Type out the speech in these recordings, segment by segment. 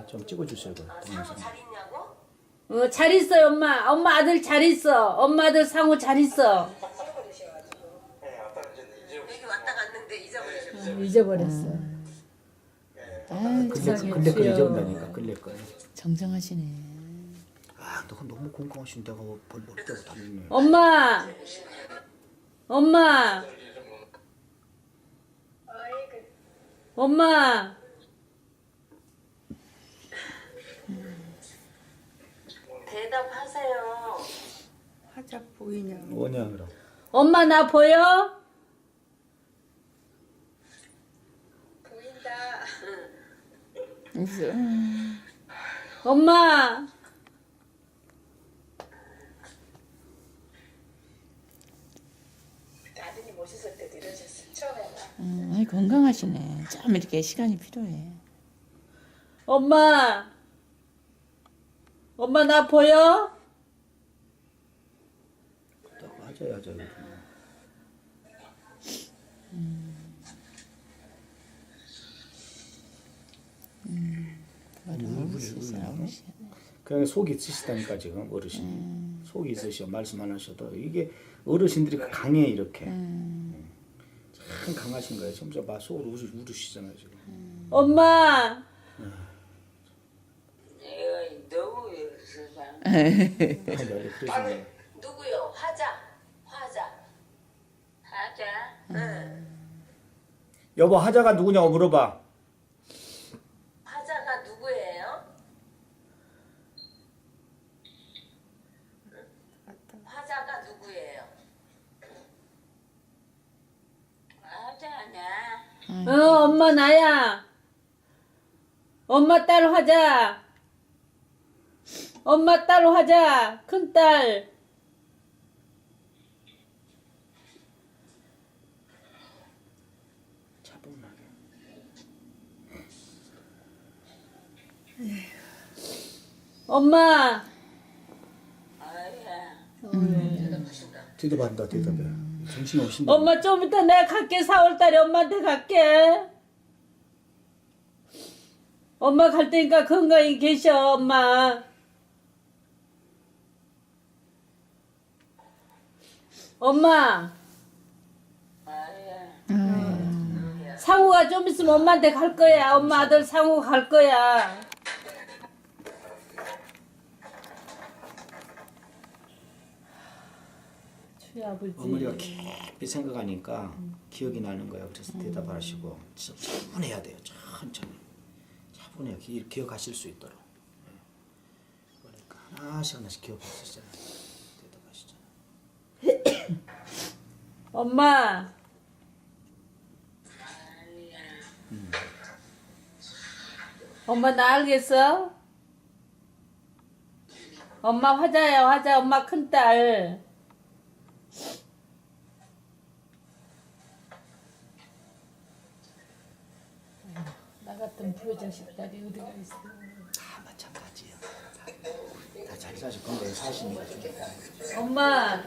좀 찍어주세요. 그 동영상. 잘 있냐고? 잘 있어요, 엄마. 엄마 아들 잘 있어. 엄마 아들 상우 잘 있어. 여기 왔다 갔는데 잊어버리셨어. 잊어버렸어. 근데 그 잊어본다니까 끌릴 거야. 정정하시네. 아, 너 너무 건강하신데 뭘 때고 다니네. 엄마. 엄마. 엄마. 대답하세요. 화자 보이냐? 뭐냐 그럼. 엄마 나 보여? 보인다. 웃어. 엄마. 아드님 오셨을 때도 이러셨어요. 처음에는. 아이, 건강하시네. 좀 이렇게 시간이 필요해. 엄마. 엄마 나 보여? 딱 하자야 저기. 그냥 속이 있으시다니까 지금 어르신이. 속이 있으셔 말씀 안 하셔도 이게 어르신들이 강해 이렇게. 참 강하신 거예요. 점점 봐 속으로 우르시잖아요 지금. 엄마. 너무 세상. 그러시네. 누구요? 화자. 여보 하자가 누구냐고 물어봐. 화자가 누구예요? 화자가 누구예요? 화자냐? 엄마 나야. 엄마 딸 화자. 엄마 딸 화자. 큰딸. 차분하게. 엄마. 아야. 뒤돌아봐. 정신이 오신다. 엄마 좀 이따 내가 갈게. 4월달에 엄마한테 갈게. 엄마 갈 테니까 건강히 계셔 엄마. 엄마. 상우가 좀 있으면 엄마한테 갈 거야. 엄마 아들 상우 갈 거야. 주의 아버지. 어머니가 깊이 생각하니까 기억이 나는 거야. 그래서 대답하시고 차분해야 돼요. 천천히. 차분해야 기억하실 수 있도록. 그러니까 하나씩 기억하시잖아요. 대답하시잖아요. 엄마. 엄마 나 알겠어? 엄마 화자야 화자. 엄마 큰딸. 나 같은 부여자식 딸이 어디가 있어. 다 마찬가지야. 다 자기 자식 건강에 사시니까 좋겠다. 엄마.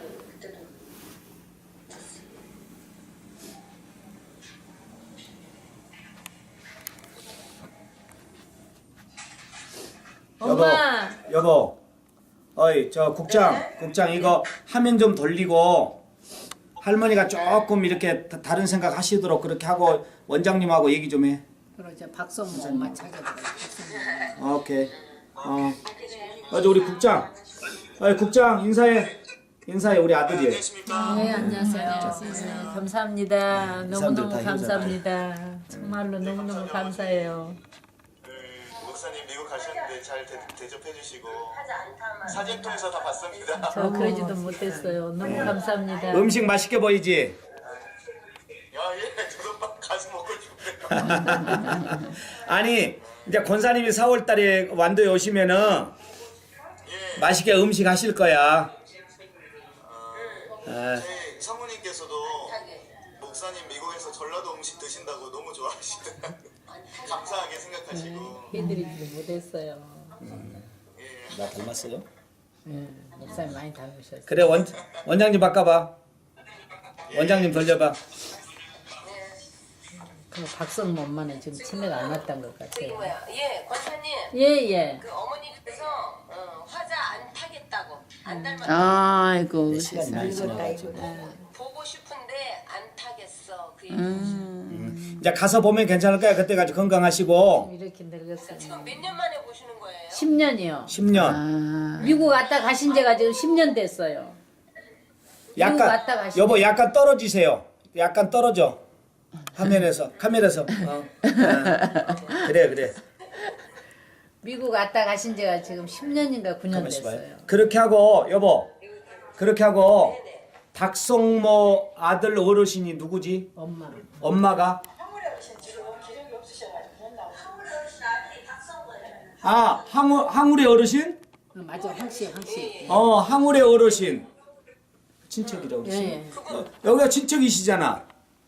엄마. 여보. 어이 저 국장 이거 화면 좀 돌리고 할머니가 조금 이렇게 다른 생각 하시도록 그렇게 하고 원장님하고 얘기 좀 해. 그러자 박성우 엄마 찾아보라. 오케이. 맞아 우리 국장. 국장 인사해 우리 아들이. 네 안녕하세요. 감사합니다. 너무너무 다 감사합니다. 정말로 너무너무 감사해요. 목사님 미국 가셨는데 잘 대접해 주시고 사진 통해서 다 봤습니다. 저 그러지도 못했어요. 너무 감사합니다. 음식 맛있게 보이지? 예, 저도 막 가서 먹고 싶네요. 아니 이제 권사님이 4월달에 완도에 오시면은 예, 맛있게 음식 하실 거야. 저희 사모님께서도 목사님 미국에서 전라도 음식 드신다고 너무 좋아하시더라고요. 감사하게 생각하시고. 해드리지도 못했어요. 나 닮았어요? 네, 목사님 많이 닮으셨어요. 그래 원장님 바꿔봐. 원장님 돌려봐. 그 박성모 엄마는 지금 치매가 안 왔던 것 저기 같아요. 뭐야? 예, 권사님. 예예. 그 어머니께서 화자 안 타겠다고 안 닮았다고 아이고 시간이 많이 지나가지고. 보고 싶은데 안 타겠어 그 얘기. 이제 가서 보면 괜찮을까요? 그때까지 건강하시고 이렇게 늙었어요. 지금 몇 년 만에 보시는 거예요? 10년이요. 10년. 아, 미국 갔다 가신 지가 지금 10년 됐어요. 미국 약간 갔다 가시네. 여보 약간 떨어지세요. 약간 떨어져. 카메라에서. 그래. 미국 갔다 가신 지가 지금 10년인가 9년 가만있어 봐요. 됐어요. 그렇게 하고 여보. 그렇게 하고 박성모 아들 어르신이 누구지? 엄마. 엄마가 아 항울의 어르신? 맞아 항씨. 항울의 어르신 친척이라고 그랬어. 예. 여기가 친척이시잖아.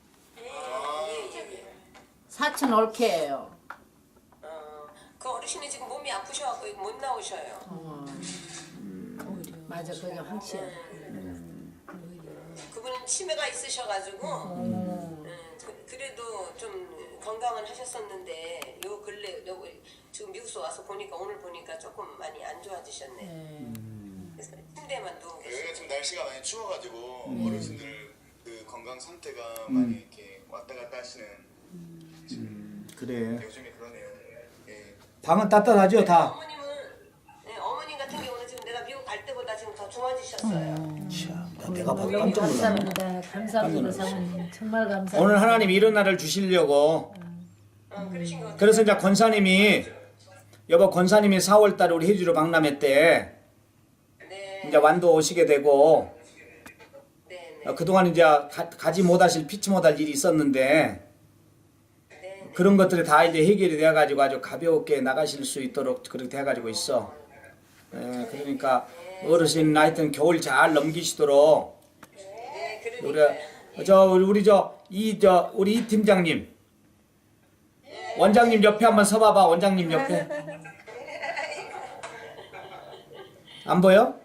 사촌 올케예요. 그 어르신이 지금 몸이 아프셔갖고 못 나오셔요. 맞아 그게 항씨야. 그분은 치매가 있으셔가지고 그래도 좀 건강은 하셨었는데 요 근래 지금 미국서 와서 보니까 오늘 보니까 조금 많이 안 좋아지셨네. 그래서 침대만 누워 계시고. 여기가 지금 날씨가 많이 추워가지고 어르신들 그 건강 상태가 많이 이렇게 왔다 갔다 하시는 그래. 요즘에 그러네요. 예. 방은 따뜻하죠 다. 어머님은 어머님 같은 경우는 지금 내가 미국 갈 때보다 지금 더 좋아지셨어요. 내가 너무 깜짝 놀랐네. 감사합니다. 감사합니다 사모님. 정말 감사합니다. 오늘 하나님 이런 날을 주시려고. 그러신 것 같아요. 그래서 이제 권사님이 여보 권사님이 4월달에 우리 해주로 박람회 때 네, 이제 완도 오시게 되고 네, 그동안 이제 가지 못하실 피치 못할 일이 있었는데 그런 것들이 다 이제 해결이 되어가지고 아주 가볍게 나가실 수 있도록 그렇게 돼가지고 있어. 예, 그러니까 어르신 하여튼 겨울 잘 넘기시도록 네, 우리 이 팀장님 원장님 옆에 한번 서봐봐. 원장님 옆에 안 보여?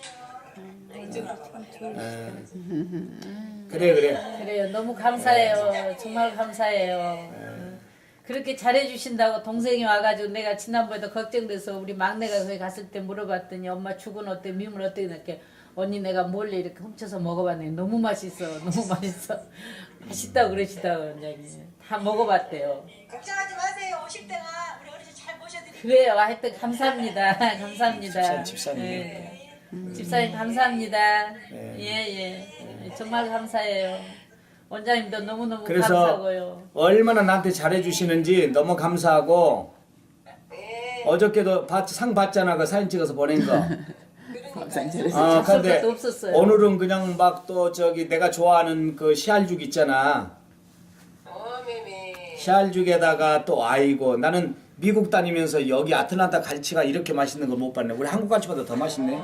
예. 그래. 그래요. 너무 감사해요. 정말 감사해요. 그렇게 잘해주신다고 동생이 와가지고 내가 지난번에도 걱정돼서 우리 막내가 거기 갔을 때 물어봤더니 엄마 죽은 어때 미물 어떻게 이렇게 언니 내가 몰래 이렇게 훔쳐서 먹어봤는데 너무 맛있어. 맛있다고 그러시다고 원장님 다 먹어봤대요. 걱정하지 마세요. 오실 때가 우리 어르신 잘 모셔드릴게요. 그래요. 하여튼 감사합니다. 감사합니다. 집사님. 예. 집사님 감사합니다. 예. 정말 감사해요. 원장님도 너무너무 그래서 감사하고요. 얼마나 나한테 잘해주시는지 너무 감사하고 어저께도 상 받잖아. 그 사진 찍어서 보낸 거. 근데 것도 없었어요. 오늘은 그냥 막 또 저기 내가 좋아하는 그 시알죽 있잖아. 매매. 시알죽에다가 또 아이고 나는 미국 다니면서 여기 아틀란타 갈치가 이렇게 맛있는 걸 못 봤네. 우리 한국 갈치보다 더 맛있네.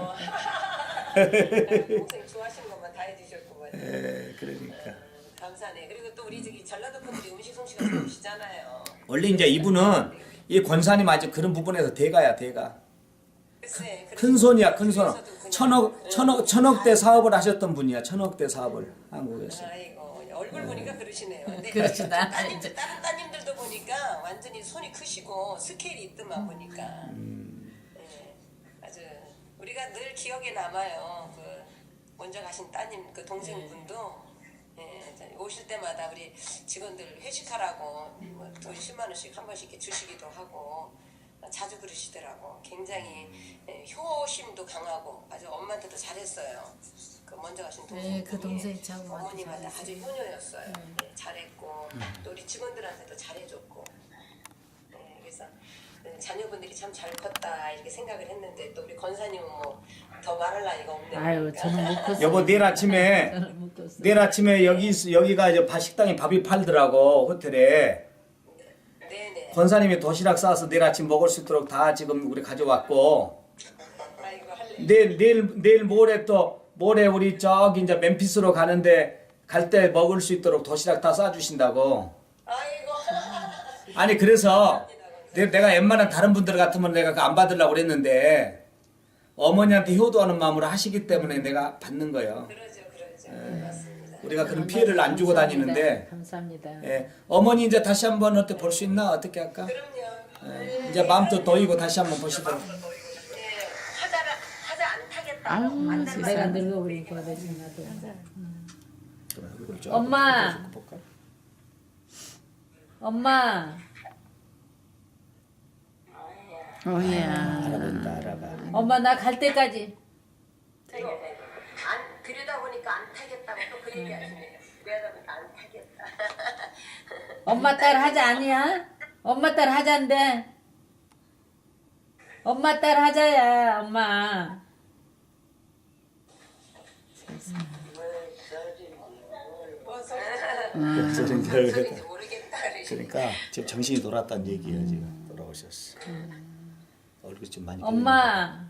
동생 좋아하시는 것만 다 해주셨구만. 그러니까. 감사네. 그리고 또 우리 저기 전라도 분들이 음식 솜씨가 좋으시잖아요. 원래 이제 이분은 이 권사님 아주 그런 부분에서 대가야 대가. 글쎄, 큰 손이야 큰 손. 그래서도 그냥 천억대 사업을 하셨던 분이야. 천억대 사업을 한국에서. 아이고 얼굴 보니까 그러시네요. 근데 그러시다. 다른 따님들도 보니까 완전히 손이 크시고 스케일이 있더만 보니까. 예, 아주 우리가 늘 기억에 남아요. 그 먼저 가신 따님 그 동생분도 오실 때마다 우리 직원들 회식하라고 돈 10만 원씩 한 번씩 이렇게 주시기도 하고 자주 그러시더라고. 굉장히 효심도 강하고 아주 엄마한테도 잘했어요. 그 먼저 가신 동생. 그 동생이 참 어머님한테 아주 효녀였어요. 잘했고 또 우리 직원들한테도 잘해줬고. 그래서 자녀분들이 참 잘 컸다 이렇게 생각을 했는데 또 우리 권사님은 뭐 더 말할 나이가 없네. 아유 그러니까. 저는 못 컸어요. 여보 내일 아침에 여기가 이제 식당에 밥이 팔더라고 모텔에. 네네. 권사님이 도시락 싸서 내일 아침 먹을 수 있도록 다 지금 우리 가져왔고 아이고 할래. 내일 모레 우리 저기 이제 멤피스로 가는데 갈 때 먹을 수 있도록 도시락 다 싸주신다고. 아이고. 아니 그래서 내가 웬만한 다른 분들 같으면 내가 그거 안 받으려고 그랬는데 어머니한테 효도하는 마음으로 하시기 때문에 내가 받는 거예요. 그러죠. 맞습니다. 우리가 그런 피해를 안 주고 다니는데 감사합니다. 예, 어머니 이제 다시 한번 어떻게 볼 수 있나? 어떻게 할까? 그럼요. 이제 마음도 놓이고 다시 한번 보시도록. 하자 안 타겠다. 아유, 내가 세상에. 늙어버리고 대신 나도. 얼굴 좀 엄마. 앞으로 볼까? 엄마, 어이야. 알아본다 알아봐. 엄마 나 갈 때까지. 안 그러다 보니까 안 타겠다고 또 그 얘기 하시네요. 그러다 보니까 안 타겠다. 엄마 딸 하자 아니야? 엄마 딸 하자인데. 엄마 딸 하자야, 엄마. 소리인지 모르겠다. 그러니까 지금 정신이 돌았다는 얘기예요. 지금 돌아오셨어. 얼굴이 좀 많이. 엄마.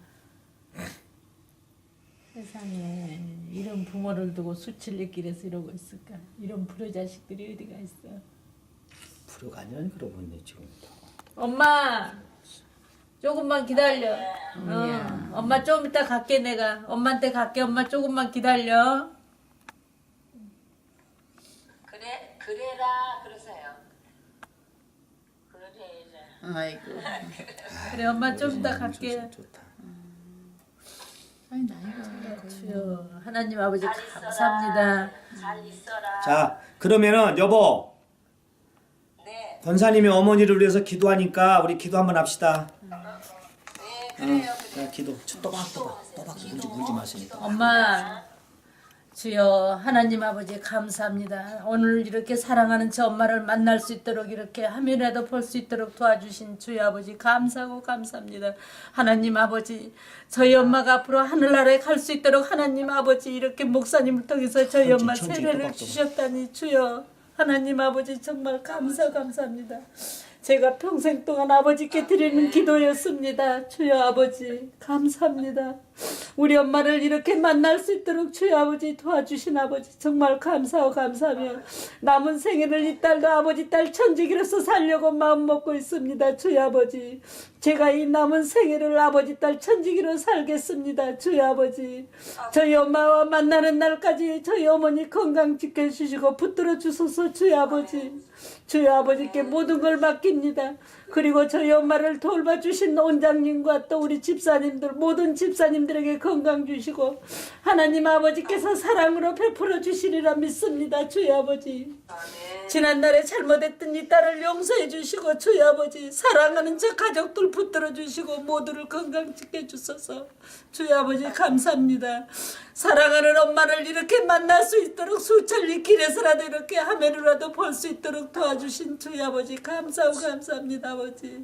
세상에 이런 부모를 두고 수칠리길에서 이러고 있을까? 이런 불효자식들이 어디가 있어? 불효가 아니라니 그러고 있네 지금. 엄마, 조금만 기다려. 엄마 좀 이따 갈게 내가. 엄마한테 갈게. 엄마 조금만 기다려. 그래라 그러세요. 그래라. 아이고. 그래 엄마 좀 이따 갈게. 좋다. 아이 나이가. 주여 하나님 아버지 감사합니다. 잘 있어라. 자 그러면은 여보 네. 권사님이 어머니를 위해서 기도하니까 우리 기도 한번 합시다. 네 그래요. 자 기도. 또박 울지 마시니까. 엄마 주여 하나님 아버지 감사합니다. 오늘 이렇게 사랑하는 저 엄마를 만날 수 있도록 이렇게 화면이라도 볼 수 있도록 도와주신 주여 아버지 감사하고 감사합니다. 하나님 아버지 저희 엄마가 앞으로 하늘나라에 갈 수 있도록 하나님 아버지 이렇게 목사님을 통해서 저희 엄마 세례를 주셨다니 주여 하나님 아버지 정말 감사합니다. 제가 평생 동안 아버지께 드리는 기도였습니다. 주여 아버지 감사합니다. 우리 엄마를 이렇게 만날 수 있도록 주여 아버지 도와주신 아버지 정말 감사하며 남은 생애를 이 딸도 아버지 딸 천지기로서 살려고 마음먹고 있습니다. 주여 아버지 제가 이 남은 생애를 아버지 딸 천지기로 살겠습니다. 주여 아버지 저희 엄마와 만나는 날까지 저희 어머니 건강 지켜주시고 붙들어 주소서. 주여 아버지 주여 아버지께 모든 걸 맡깁니다. 그리고 저희 엄마를 돌봐주신 원장님과 또 우리 집사님들 모든 집사님들에게 건강 주시고 하나님 아버지께서 사랑으로 베풀어 주시리라 믿습니다. 주여 아버지 지난날에 잘못했던 이 딸을 용서해 주시고 주여 아버지 사랑하는 저 가족들 붙들어 주시고 모두를 건강 지켜주소서. 주여 아버지 감사합니다. 사랑하는 엄마를 이렇게 만날 수 있도록 수천리 길에서라도 이렇게 화면으로라도 볼 수 있도록 도와주신 주여 아버지 감사하고 감사합니다. 아버지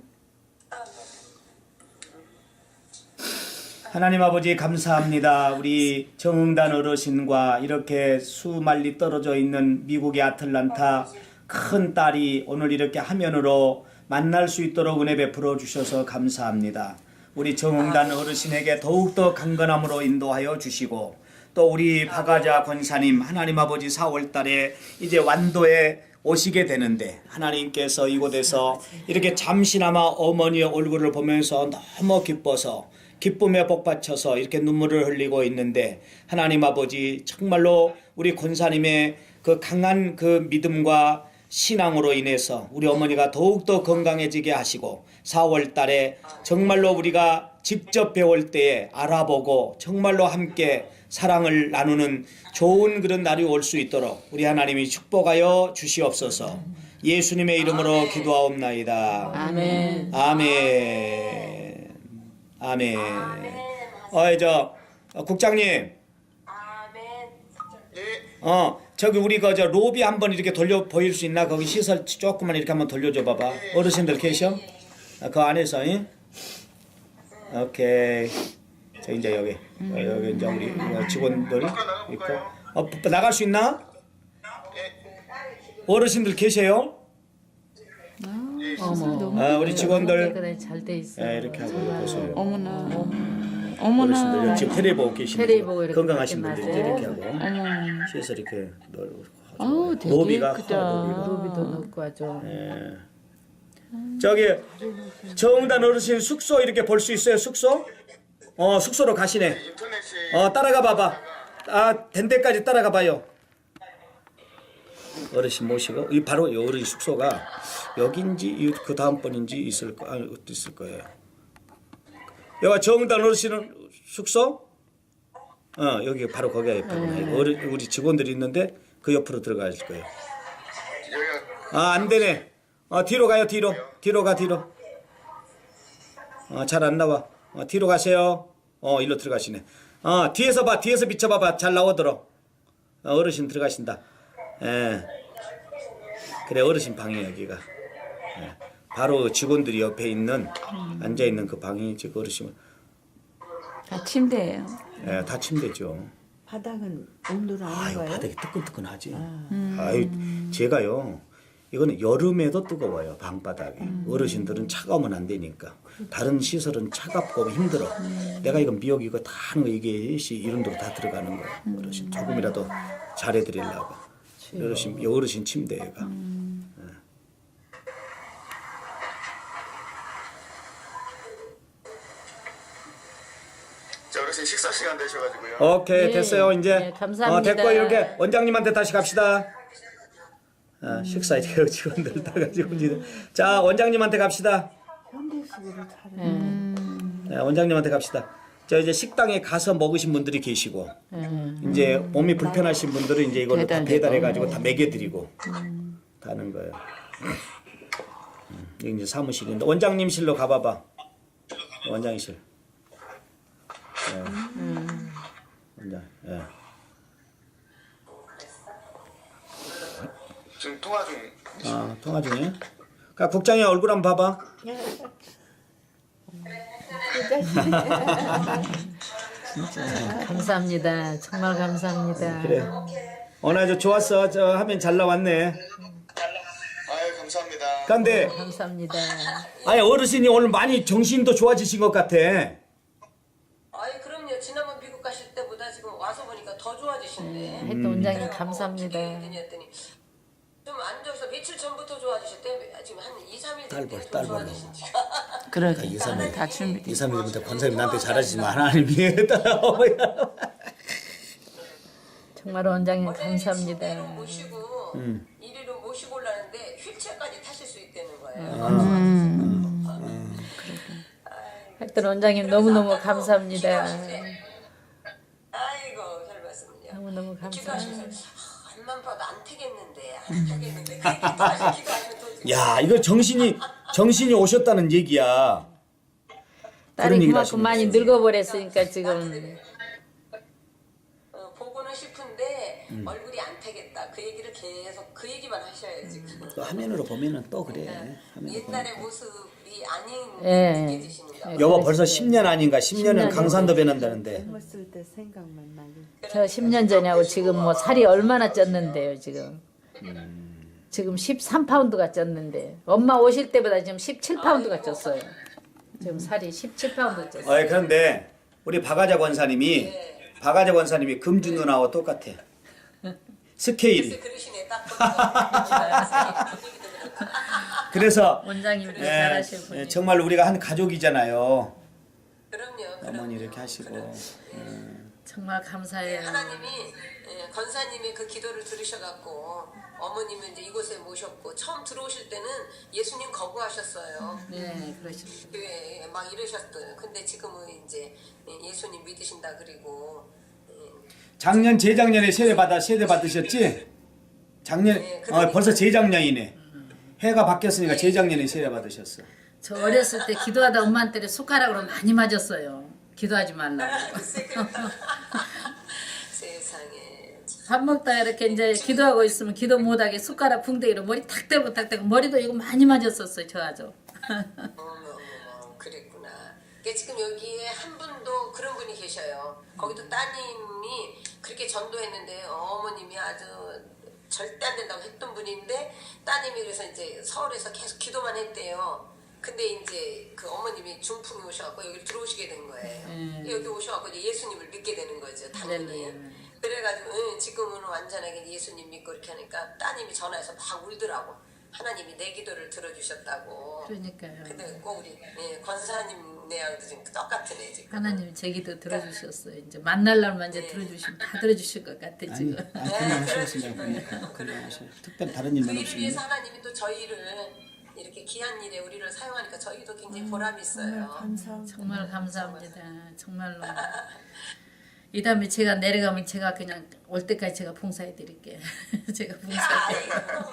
하나님 아버지 감사합니다. 우리 정응단 어르신과 이렇게 수만리 떨어져 있는 미국의 아틀란타 큰 딸이 오늘 이렇게 화면으로 만날 수 있도록 은혜 베풀어 주셔서 감사합니다. 우리 정응단 어르신에게 더욱더 강건함으로 인도하여 주시고 또 우리 박아자 권사님 하나님 아버지 4월달에 이제 완도에 오시게 되는데 하나님께서 이곳에서 이렇게 잠시나마 어머니의 얼굴을 보면서 너무 기뻐서 기쁨에 복받쳐서 이렇게 눈물을 흘리고 있는데 하나님 아버지 정말로 우리 권사님의 그 강한 그 믿음과 신앙으로 인해서 우리 어머니가 더욱더 건강해지게 하시고 4월 달에 정말로 우리가 직접 배울 때에 알아보고 정말로 함께 사랑을 나누는 좋은 그런 날이 올 수 있도록 우리 하나님이 축복하여 주시옵소서. 예수님의 이름으로 기도하옵나이다. 아멘. 아멘. 아멘. 국장님. 아멘. 저기 우리 저 로비 한번 이렇게 돌려 보일 수 있나? 거기 시설 조금만 이렇게 한번 돌려줘 봐봐. 어르신들 계셔? 그 안에서, 응? 오케이. 자 이제 여기 이제 우리 직원들이 있고. 나갈 수 있나? 어르신들 계세요? 우리 직원들 그래 잘 돼 있어. 이렇게 하고 보세요. 어머나. 어르신들 어머나. 지금 텔레 보고 계시는 텔레 보고 이렇게 건강하신 분들 맞아요. 이렇게 하고 어머. 시에서 이렇게 널고 아우 되게 로비가 예쁘다. 로비도 넣고 하죠. 저기 정단 어르신 숙소 이렇게 볼 수 있어요? 숙소? 숙소로 가시네. 인터넷이 따라가 봐봐. 된 데까지 따라가 봐요. 어르신 모시고 이 바로 이 어르신 숙소가 여긴지 그 다음번인지 있을 거예요. 여기 정단 어르신 숙소? 여기 바로 거기가 옆에구나. 우리 직원들이 있는데 그 옆으로 들어갈 거예요. 안 되네. 뒤로 가요. 뒤로 가. 잘 안 나와. 뒤로 가세요. 일로 들어가시네. 뒤에서 봐. 뒤에서 비춰봐봐. 잘 나오도록. 어르신 들어가신다. 예. 그래 어르신 방이에요 여기가. 예. 바로 직원들이 옆에 있는 앉아 있는 그 방이 지금 어르신. 다 침대예요. 예, 다 침대죠. 바닥은 온도를 아는 아유 거예요? 바닥이 뜨끈뜨끈하지. 아유 제가요. 이거는 여름에도 뜨거워요 방바닥이. 어르신들은 차가우면 안 되니까. 다른 시설은 차갑고 힘들어. 내가 이거 미역 이거 다 하는 거 이게 이런 데로 다 들어가는 거야. 어르신 조금이라도 잘해드리려고. 어르신 침대가. 자, 어르신 식사 시간 되셔가지고요. 오케이 네, 됐어요 이제. 네, 감사합니다. 됐고 이렇게 원장님한테 다시 갑시다. 식사 이제 직원들 다 가지고 이제. 자 원장님한테 갑시다. 네, 원장님한테 갑시다. 저 이제 식당에 가서 먹으신 분들이 계시고 이제 몸이 불편하신 분들은 이제 이걸 다 배달해 가지고 다 먹여드리고 다 하는 거예요. 여기 이제 사무실인데 원장님실로 가봐봐. 원장실. 원장. 예. 지금 통화 중. 통화 중에. 그러니까 국장의 얼굴 한번 봐봐. 감사합니다. 정말 감사합니다. 그래. 오늘 좋았어. 저 화면 잘 나왔네. 아유 감사합니다. 근데 감사합니다. 아니 어르신이 오늘 많이 정신도 좋아지신 것 같아. 아이 그럼요. 지난번 미국 가실 때보다 지금 와서 보니까 더 좋아지신데. 하여튼 원장님 감사합니다. 했더니 좀 안 좋아서 며칠 전부터 좋아지셨대. 지금 한 2, 3일 딸 됐대. 봐, 좀 좋아지신지. 그러게. 이사님. 다 준비. 2, 3일부터 권사님 나한테 잘하시지만 하나님이 따라오고. 정말 원장님 원래는 침대로 감사합니다. 모시고 이리로 모시고 올라는데 휠체어까지 타실 수 있다는 거예요. 하여튼 원장님 너무너무 감사합니다. 아이고 잘 봤습니다. 너무너무 감사합니다. 기도하시면서 앞만 봐도 안 되겠는데 안 되겠는데 그 기도하시면 또 야 이거 정신이 오셨다는 얘기야. 딸이 얘기를 그만큼 하시는 많이 늙어버렸으니까 지금 보고는 싶은데 얼굴이 안 되겠다. 그 얘기를 계속 그 얘기만 하셔야지. 또 화면으로 보면은 또 그래. 화면으로 옛날의 모습이 아닌 예. 느껴지시는 거. 여보 벌써 10년 아닌가? 10년은 강산도 변한다는데. 젊었을 때 생각만 나게. 저 10년 전하고 지금 뭐 살이 얼마나 쪘는데요 지금. 지금 13파운드가 쪘는데 엄마 오실 때보다 지금 17파운드가 쪘어요. 지금 살이 17파운드 쪘어요. 그런데 우리 박아자 권사님이 금주 누나하고 똑같아. 스케일이. 그러시네 딱. 그래서 원장님도 예, 잘하실 분이. 예, 정말 우리가 한 가족이잖아요. 그럼요. 어머니 이렇게 하시고. 정말 감사해요. 하나님이 권사님의 그 기도를 들으셔갖고 어머님은 이제 이곳에 모셨고 처음 들어오실 때는 예수님 거부하셨어요. 네, 그러십니다. 교회에 막 이러셨어요. 근데 지금은 이제 예수님 믿으신다 그리고 작년 재작년에 세례 받으셨지? 작년 벌써 재작년이네. 해가 바뀌었으니까 재작년에 세례 받으셨어. 저 어렸을 때 기도하다 엄마한테 숟가락으로 많이 맞았어요. 기도하지 말라고. 세상에 밥 먹다가 이렇게 이제 기도하고 있으면 기도 못하게 숟가락 붕대기로 머리 탁 대고 머리도 이거 많이 맞았었어요. 저 아주. 어머 그랬구나. 그러니까 지금 여기에 한 분도 그런 분이 계셔요. 거기도 따님이 그렇게 전도했는데 어머님이 아주 절대 안 된다고 했던 분인데 따님이 그래서 이제 서울에서 계속 기도만 했대요. 근데 이제 그 어머님이 중풍이 오셔갖고 여기 들어오시게 된 거예요. 여기 오셔갖고 이제 예수님을 믿게 되는 거죠, 당연히. 그래가지고 지금은 완전하게 예수님 믿고 이렇게 하니까 따님이 전화해서 막 울더라고. 하나님이 내 기도를 들어주셨다고. 그러니까요. 근데 꼭 우리 권사님 내하고도 지금 똑같으네 지금. 하나님 제 기도 들어주셨어요. 이제 만날 날만 이제 들어주시면 다 들어주실 것 같아 지금. 건강하시겠습니다. 건강하시고 특별히 다른 일만 그 일을 없으면. 위해서 하나님이 또 저희를 이렇게 귀한 일에 우리를 사용하니까 저희도 굉장히 보람이 있어요. 감사합니다. 정말 감사합니다. 정말로. 이 다음에 제가 내려가면 제가 그냥 올 때까지 제가 봉사해 드릴게요. 제가 봉사해.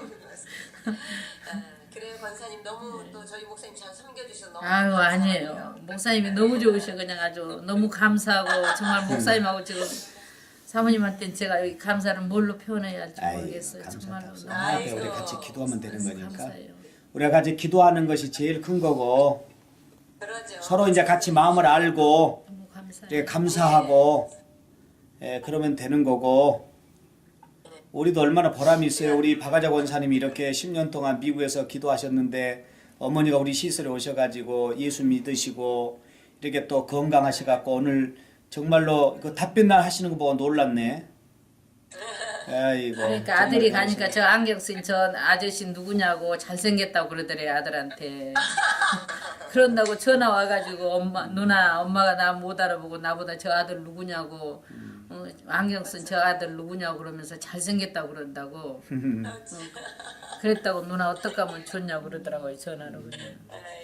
그래요 권사님 너무 또 저희 목사님 잘 섬겨주셔서 너무 아유 감사해요. 아니에요. 목사님이 너무 좋으셔 그냥 아주 너무 감사하고 정말 목사님하고 지금 사모님한테는 제가 여기 감사를 뭘로 표현해야 할지 모르겠어요. 정말로 너무 앞에 우리 같이 기도하면 되는 거니까. 감사해요. 우리가 같이 기도하는 것이 제일 큰 거고 그러죠. 서로 이제 같이 마음을 알고 너무 감사해요. 이렇게 감사하고 그러면 되는 거고 우리도 얼마나 보람이 있어요. 우리 박아자 권사님이 이렇게 10년 동안 미국에서 기도하셨는데 어머니가 우리 시설에 오셔가지고 예수 믿으시고 이렇게 또 건강하셔갖고 오늘 정말로 그 답변날 하시는 거 보고 놀랐네. 아이고. 그러니까 아들이 가니까 저 안경 쓴 저 아저씨 누구냐고 잘생겼다고 그러더래요 아들한테. 그런다고 전화 와가지고 엄마 누나 엄마가 나 못 알아보고 나보다 저 아들 누구냐고 안경 쓴 저 아들 누구냐고 그러면서 잘생겼다고 그런다고. 그랬다고 누나 어떡하면 좋냐고 그러더라고요 전화로 그냥.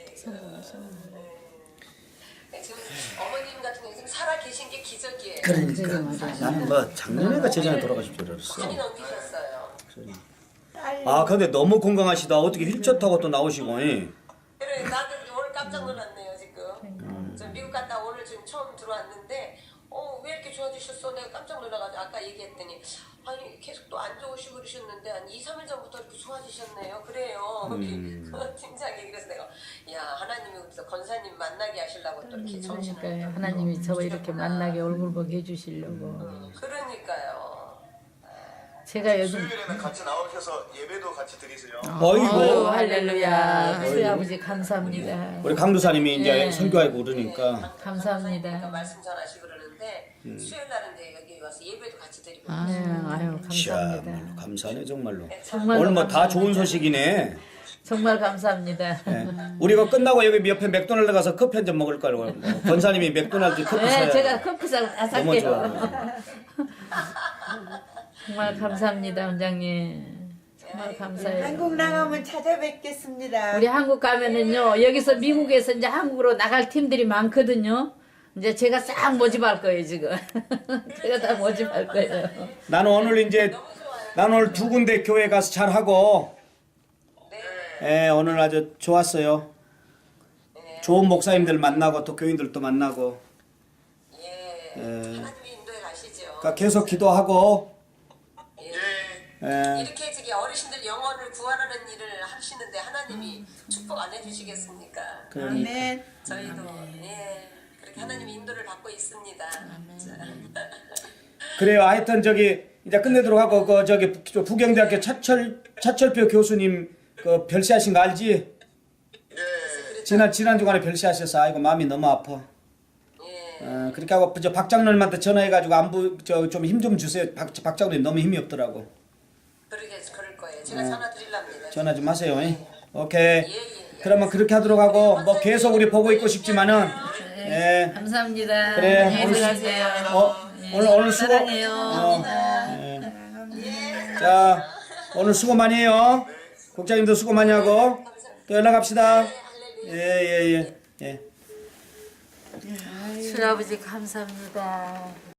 지금 어머님 같은 경우 지금 살아 계신 게 기적이에요. 그러니까 나는 뭐 작년에가 재전에 돌아가실 줄 알았어. 많이 넘기셨어요. 아 근데 너무 건강하시다. 어떻게 휠체어 타고 또 나오시고. 그래 나도 오늘 깜짝 놀랐네요 지금. 저 미국 갔다 오늘 지금 처음 들어왔는데 왜 이렇게 좋아지셨어? 내가 깜짝 놀라가지고 아까 얘기했더니 아니 계속 또 안 좋으시고 그러셨는데 한 2, 3일 전부터 이렇게 좋아지셨네요. 그래요. 팀장이 그래서 내가 야 하나님이 우리 권사님 만나게 하시려고 또 이렇게 정신을 그러니까요 하나님이 저 이렇게 만나게 얼굴 보게 해주시려고. 그러니까요. 제가 요즘 수요일에는 같이 나오셔서 예배도 같이 드리세요. 어이구. 할렐루야 수희 아버지 감사합니다. 우리 강도사님이 이제 네. 선교하고 그러니까 감사합니다. 그러니까 말씀 전하시고 그러는데 수요일 날은 이제 여기 와서 예배도 같이 드리고 아유 감사합니다. 참말로 감사하네 정말로. 정말 오늘 뭐 다 좋은 소식이네. 정말 감사합니다. 예. 우리가 끝나고 여기 옆에 맥도날드 가서 커피 한 잔 먹을 거라고. 권사님이 맥도날드 커피 네, 사야 제가 커피상 다 너무 살게요. 좋아. 정말 감사합니다, 원장님. 정말 감사해요. 한국 나가면 찾아뵙겠습니다. 우리 한국 가면은요, 여기서 미국에서 이제 한국으로 나갈 팀들이 많거든요. 이제 제가 싹 모집할 거예요, 지금. 제가 다 모집할 거예요. 나는 오늘 두 군데 교회 가서 잘 하고. 예, 오늘 아주 좋았어요. 좋은 목사님들 만나고 또 교인들도 만나고. 하나님이 인도에 가시죠. 그러니까 계속 기도하고. 이렇게 저기 어르신들 영혼을 구원하는 일을 하시는데 하나님이 축복 안 해주시겠습니까? 아멘. 저희도 그렇게 하나님의 인도를 받고 있습니다. 그래요. 하여튼 저기 이제 끝내도록 하고 그 저기 부경대학교 차철표 교수님 그 별세하신 거 알지? 지난 주간에 별세하셔서 아이고 마음이 너무 아파. 그렇게 하고 저 박장로님한테 전화해가지고 안부 좀 힘 좀 주세요. 박장로님 너무 힘이 없더라고. 그럴 거예요. 제가 전화 드리랍니다. 전화 좀 하세요. 오케이. 그러면 그렇게 하도록 하고 뭐 계속 우리 보고 있고 싶지만은 예. 감사합니다. 그래. 안녕히 들어가세요. 오늘 수고. 사랑해요. 자 오늘 수고 많이 해요. 국장님도 수고 많이 하고 또 연락합시다. 예. 술 아버지 감사합니다.